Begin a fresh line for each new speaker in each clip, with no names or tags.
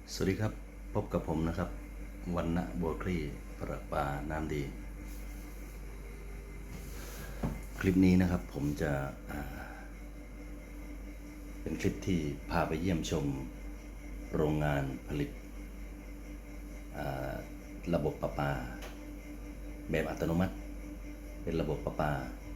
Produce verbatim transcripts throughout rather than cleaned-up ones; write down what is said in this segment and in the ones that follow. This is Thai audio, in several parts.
สวัสดีครับพบกับผมนะครับวรรณบัวคลี่ประปาน้ำดีคลิปนี้นะครับผมจะเป็นคลิปที่พาไปเยี่ยมชมโรงงานผลิตระบบประปาแบบอัตโนมัติเป็นระบบประปา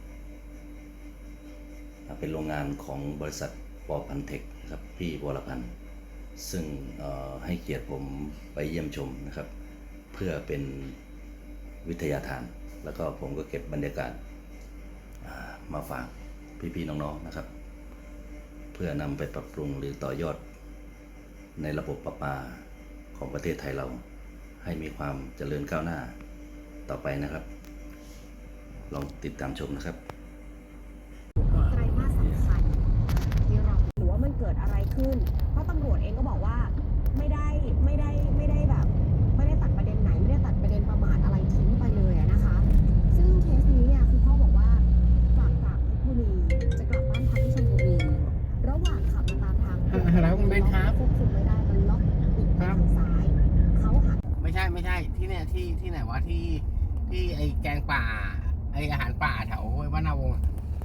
เป็นโรงงานของบริษัทปอพันเทคครับพี่วรพันธ์ซึ่งให้เกียรติผมไปเยี่ยมชมนะครับเพื่อเป็นวิทยาทานแล้วก็ผมก็เก็บบรรยากาศมาฝากพี่ๆน้องๆนะครับเพื่อนำไปปรับปรุงหรือต่อยอดในระบบประปาของประเทศไทยเราให้มีความเจริญก้าวหน้าต่อไปนะครับลองติดตามชมนะครับ
ไตรมาสสำคัญที่เราหรือว่ามันเกิดอะไรขึ้นเพราะตำรวจเองก็บอกว่าไม่ได้ไม่ได้ไม่ได้แบบไม่ได้ตัดประเด็นไหนไม่ได้ตัดประเด็นประมาทอะไรทิ้งไปเลยนะคะซึ่งเคสนี้เนี่ยคือพ่อบอกว่ากลับจากเพชรบุรีจะกลับบ้านพักที่ชลบุรีระหว่างขับมาตามทาง
แล้วคุณเบนครับ
ควบคุมไม่ได้มันล็อกอีกทางซ้ายเขาหัก
ไม่ใช่ไม่ใช่ที่เนี่ยที่ที่ไหนวะที่ที่ไอแกงป่าไออาหารป่าแถววัดนาวงศ์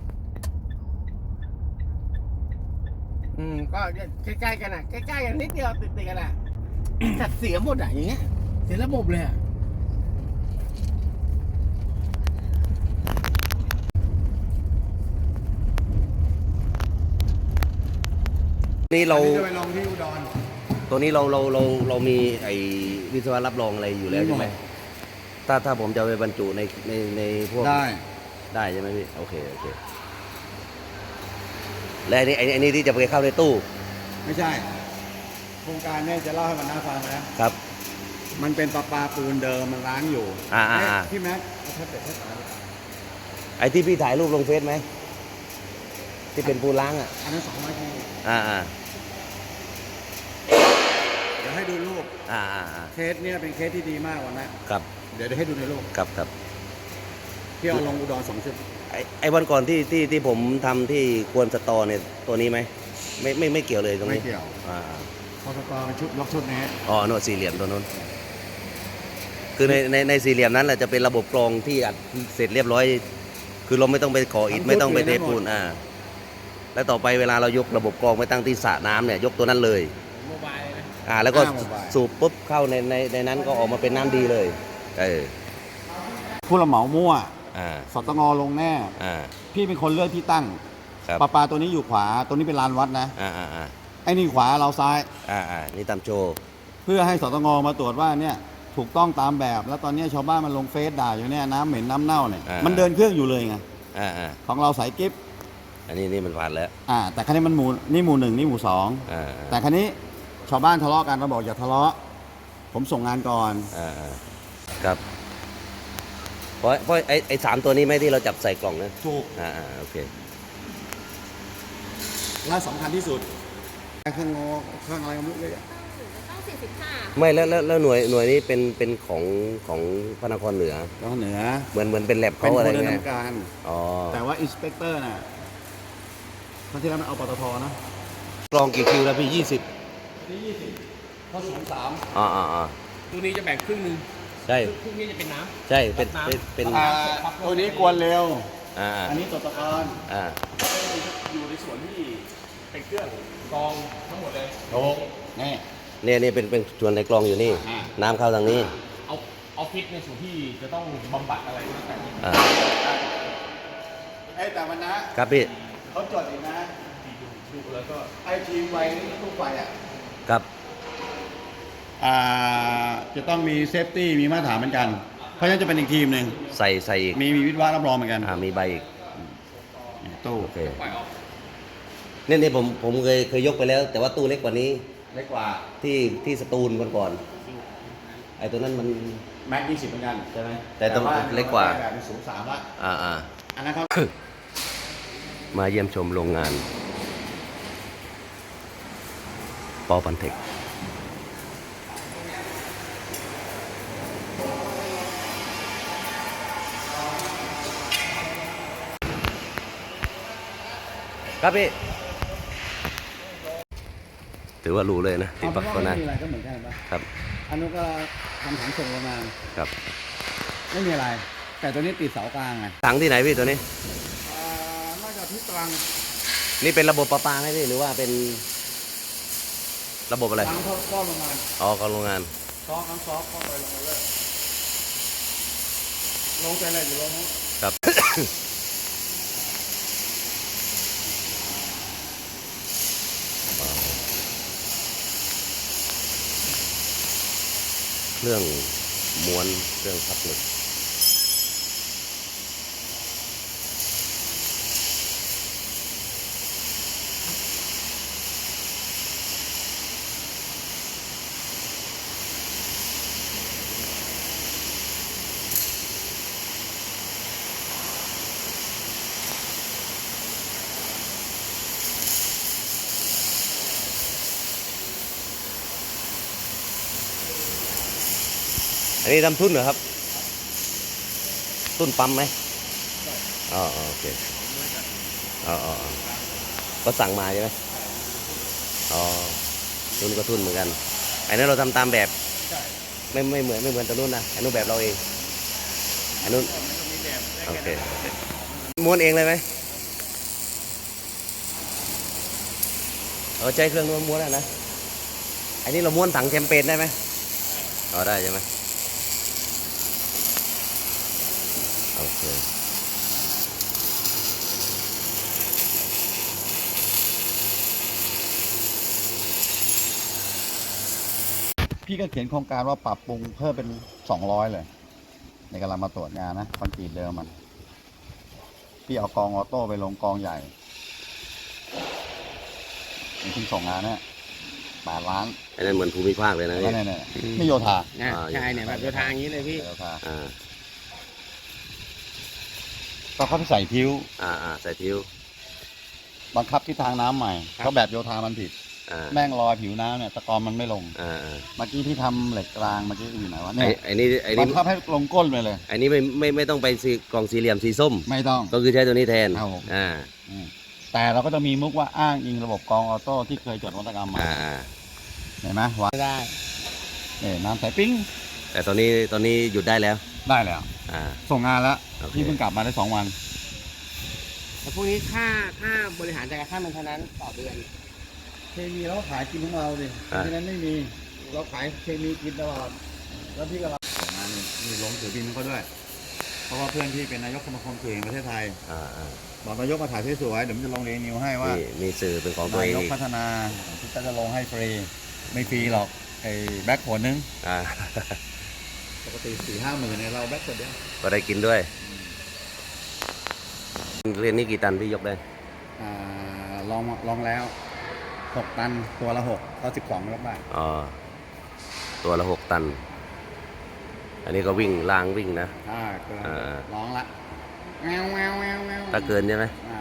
อืมก็ใกล้ๆกันอ่ะใกล้ๆกันนิดเดียวติดๆกันอ่ะจัดเสียหมดอ่ะอย่างเงี้ยเสียระบบเลยอ่ะ
นี่เรา
จะไปลงที่อุดร
ตัวนี้เราเราเราเรามีไอ้วิศวะรับรองอะไรอยู่แล้วใช่ไหมถ้าถ้าผมจะไปบรรจุในในในพวก
ได้
ได้ใช่ไหมพี่โอเคโอเคและอันนี้ไอ้นี่ที่จะไปเข้าในตู้
ไม่ใช่โครงการเนี่ยจะเล่าให้มันน่าฟังนะครับมันเป็นประปาปูนเดิมมันล้างอยู่
อ่าอ่า
พี่แม็กเอาแท็บเล็ตให้ตา
ไอ้ที่พี่ถ่ายรูปลงเฟซไหมที่เป็นปูนล้างอ่ะ
อันนั้นสองร้อยที
อ่าอ่า
เดี๋ยวให้ดูรูป
อ่าอ่า
เคสเนี่ยเป็นเคสที่ดีมากวันนะครับเดี๋ยวเดี๋ยวให้ดูในรูป
ครับครับ
ที่เอาลงอุดรสองชุด
ไอ้ไอ้วันก่อนที่ที่ที่ผมทำที่ควนสตอเนี่ยตัวนี้ไหมไม่ไม่ไม่เกี่ยวเลยตรงนี้
ไม่เกี่ยว
อ่า
พอสตอเป็นชุดยกชุดนี้
อ๋อโน่นสี่เหลี่ยมตัวนู้นคือในในในสี่เหลี่ยมนั้นแหละจะเป็นระบบกรองที่อัดเสร็จเรียบร้อยคือเราไม่ต้องไปก่ออิฐไม่ต้องไปเทปูนอ่าแล้วต่อไปเวลาเรายกระบบกรองไปตั้งที่สระน้ำเนี่ยยกตัวนั้นเลย
โมบายเลยนะ
อ่าแล้วก็สูบปุ๊บเข้าในในในนั้นก็ออกมาเป็นน้ำดีเลยเออ
ผู้รับเหมามั่ว
อ่า
สตงลงแน่
อ่า
พี่เป็นคนเลือกที่ตั้งปลาปลาตัวนี้อยู่ขวาตัวนี้เป็นลานวัดนะ
อ่าอ่าอ่า
ไอ้นี่ขวาเราซ้าย
อ่าอ่านี่ตามโจ
เพื่อให้สตงมาตรวจว่าเนี่ยถูกต้องตามแบบแล้วตอนนี้ชาวบ้านมันลงเฟซด่าอยู่เนี่ยน้ำเหม็นน้ำเน่าเนี่ยมันเดินเครื่องอยู่เลยไง
อ่าอ่า
ของเราสายกิ๊บ
อันนี้นี่มันผ่านแล้ว
อ่าแต่ครั้นี้มันหมู่นี่หมู่หนึ่งนี่หมู่สอง
อ่า
แต่ครั้นี้ชาวบ้านทะเลาะกันเราบอกอย่าทะเลาะผมส่งงานก่อน
อ่าครับเพราะเพราะไอ้ไอ้สามตัวนี้ไหมที่เราจับใส่กล่องนะ
ถูก
อ่าโอเค
และสำคัญที่สุดเครื่องงอเครื่องอะไรก็ไม่รู้เลย
ต้องสี่สิบห้า
ไม่แล้วแล้วแล้วหน่วยหน่วยนี้เป็นเป็นของของพระนครเหนือ
พระนครเหนือ
เหมือนเหมือนเป็นแลบ
เขา
อะไร
เงี้ยการ
อ๋อ
แต่ว่าอินสเปกเตอร์น่ะครั้งที่แล้วมันเอาปตทนะ
กรองกี่คิวแล้วพี่ยี่สิบ
ที่ยี่สิบเขาสูงสาม
อ่าอ่าอ่า
ตัวนี้จะแบ่งครึ่งหนึ่ง
ใช่
ครึ่งนี้จะเป็นน้ำ
ใช่เป็นเป็นเป็น
ตัวนี้กวนเร็ว
อ่า
อันนี้ตัวตะกอน
อ่า
อยู่ในส่วนที่เป็นเครื่องกรองทั้งหมดเลย
โอ้นี่
เนี่ยนี่เป็นเป็นส่วนในกรองอยู่นี่น้ำเข้าทางนี้
เอาเอาฟิตในส่วนที่จะต้องบำบัดอะไรก็แต่
อ่า
ไอ้แต่วันนะครับ
พี่
เขาจดอีกนะ
ดูแล้วก็
ไอทีมไฟตู้ไฟอ่ะ
ครับ
อ่าจะต้องมีเซฟตี้มีมาตรฐานเหมือนกันเพราะฉะนั้นจะเป็นอีกทีมหนึ่ง
ใส่ใส่อีก
มีมีวิทยารับรองเหมือนกัน
อ่ามีใบอีก
ตู้
โอเคนี่นี่ผมผมเคยเคยยกไปแล้ว แต่ว่าตู้เล็กกว่านี้
เล็กกว่า
ที่ที่สตูลก่อนก่อนไอ้ตัวนั้นมัน
แม็กยี่สิบเหมือนกันใช่ไหม
แต่ต้องเล็กกว่า
แบบสูงสามละ
อ่าอ่า
อันนั้นครับ
มาเยี่ยมชมโรงงานปอพันเทคครับพี่ ถึงถือว่ารู้เลยนะติด
เอา
ปั
เป็
ก
นว่า
ก็
ไม่
น่า
มีอะไรก็เหมือนกันปะ
ครับ
อันนู้นก็ทำถังส่งโรงงาน
ครับ
ไม่มีอะไร แต่ตัวนี้ติดเสากลางไง
ถังที่ไหนพี่ตัวนี้
อ่าน่าจะที่ตรัง
นี่เป็นระบบประปาไหมพี่หรือว่าเป็นระบบอะไร
ตรังเขาก็โรงงาน
อ๋อของโรงงาน
ซอกทั้งซอกเข้าไปลงมาเลยลงใจอะไรอยู่ลงนู้น
ครับ เครื่องม้วนเครื่องพับเหล็กอันนี้ทำทุ่นเหรอครับ ทุ่นปั๊มไหมอ๋ออ๋อโอเคอ๋ออ๋ออ๋อก็สั่งมาใช่ไหมอ๋อทุ่นก็ทุ่นเหมือนกันอันนั้นเราทำตามแบบไม่ไม่เหมือนไม่เหมือนตัวนู้นนะอันนู้นแบบเราเองอันนู้นโอเคโอเคม้วนเองเลยไหมเออใช้เครื่องม้วนๆนะอันนี้เราม้วนถังแชมเปญได้ไหมอ๋อได้ใช่ไหมโอเค
พี่ก็เขียนโครงการว่าปรับปรุงเพิ่มเป็นสองร้อยเลย ในกำลังมาตรวจงานนะคอนกรีตเดิมมัน พี่เอากองออโต้ไปลงกองใหญ่มีที่ส่งงานเนี่ยแปดล้าน
อันนั้นเหมือนภูมิภาคเลยนะ
แล้ว
พี่
เนี่ยเนี่ยนี่โยธา
นะ
อ่า
ใช่เนี่ยแบบโยธาอย่างนี้เลยพี่
โยธา
อ่า
ก็เขาไปใส่ทิ้ว
อ่าอ่าใส่ทิ้ว
บังคับทิศทางน้ำใหม่
ครับ
เพราะแบบโยธามันผิด
อ่า
แม่งลอยผิวน้ำเนี่ยตะกอนมันไม่ลง
อ่าอ่า
เมื่อกี้ที่ทำเหล็กกลางเมื่อกี้อยู่ไหนวะ
ไอ้
เนี่ย
ไอ้นี่ไอ้
บั
นี่
งคับให้ลงก้นไปเลย
ไอ้นี่ไม่ไม่ไม่ต้องไปสีกล่องสี่เหลี่ยมสีส้ม
ไม่ต้อง
ก็คือใช้ตัวนี้แทน
ครับผม
อ่า
อืมแต่เราก็จะมีมุกว่าอ้างอิงระบบกรองออโต้ที่เคยจดนวัตกรรมมา
อ่าอ่า
เห็นไหมวาง
ไม่ได้
เนี่ยน้ำใสปิ้ง
แต่ตอนนี้ตอนนี้หยุดได้แล้ว
ได้แล้ว
อ่า
ส่งงานแล้ว
โอเค
พี่เพิ่งกลับมาได้สองวัน
แต่พวกนี้ค่าค่าบริหารจัดการค่ามันเท่านั้นต่อเดือน
เคมีเราขายกินของเราดิเพราะฉะนั้นไม่มีเราขายเคมีกินตลอดแล้วพี่ก็รับส่งงานนี่นี่ลงถือบินเขาด้วย เพราะว่าเพื่อนพี่เป็นนายกสมาคมสื่อแห่งประเทศไทย
อ่าอ่า
บอกนายกมาถ่ายสวยๆเดี๋ยวมันจะลงเรนิวให้ว่า
มีมีสื่อเป็นของตัวเอน
าง ยก
อีก
พัฒนาที่จะลงให้ฟรีไม่ฟรีหรอกไอ้แบ็คผลนึง
อ่า
ปกติสี่ห้าหมื่นเนี่ยเราแบ็คคนเดียว
ก็ได้กินด้วยเรียนนี้กี่ตันพี่ยกได้
อ่าลองลองแล้วหกตันตัวละหกก็สิบสองยกได้
อ๋อตัวละหกตัน อันนี้ก็วิ่งล่างวิ่งนะ
อ่าเกิน
อ่า
ร้องละแววแววแววแวว
ถ้าเกินใช่ไหม
อ่า